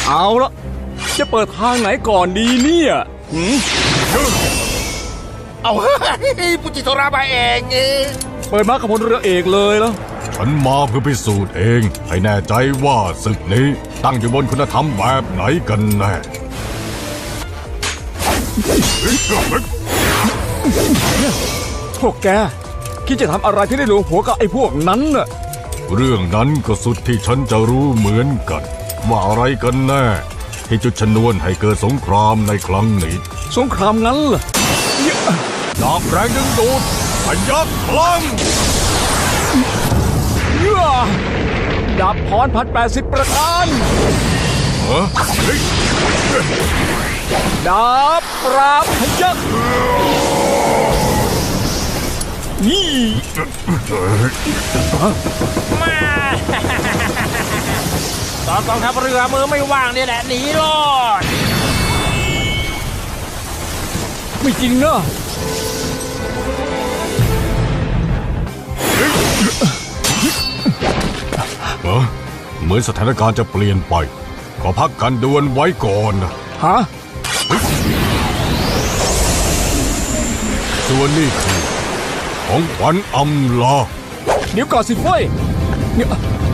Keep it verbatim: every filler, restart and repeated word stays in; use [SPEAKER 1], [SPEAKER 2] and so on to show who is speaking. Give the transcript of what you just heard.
[SPEAKER 1] เอาละจะเปิดทางไหนก่อนดีเนี่ยหืม
[SPEAKER 2] เอาเฮ้ยปุจิโทรามาเองเอง
[SPEAKER 1] เปิดมากับพลเรือเอกเลยแล้ว
[SPEAKER 3] ฉันมาเพื่อพิสูจน์เองให้แน่ใจว่าศึกนี้ตั้งอยู่บนคุณธรรมแบบไหนกันแน่
[SPEAKER 1] พวกแกคิดจะทำอะไรที่ได้หลวงหัวกับไอ้พวกนั้นน่ะ
[SPEAKER 3] เรื่องนั้นก็สุดที่ฉันจะรู้เหมือนกันว่าอะไรกันแน่ที่จุดชนวนให้เกิดสงครามในครั้งนี้
[SPEAKER 1] สงครามงั้นเหรอ
[SPEAKER 3] ดาบแรงดึงดูดพยักพลัง
[SPEAKER 1] เยื่อดาบพรพันแปดสิบประการ
[SPEAKER 3] เฮ้ย
[SPEAKER 1] ดาบปราบพยักนี่
[SPEAKER 2] มาตอนกองทัพเรือมือไม่ว่างเนี่ยแหละหนีรอด
[SPEAKER 1] ไม่จริงนะ
[SPEAKER 3] เอ้อเหมือนสถานการณ์จะเปลี่ยนไปขอพักการดวลไว้ก่อนนะ
[SPEAKER 1] ฮะ
[SPEAKER 3] ส่วนนี้คือของขวัญอำลา
[SPEAKER 1] เดี๋ยวก่อนสิเฟ้ยเนี่ย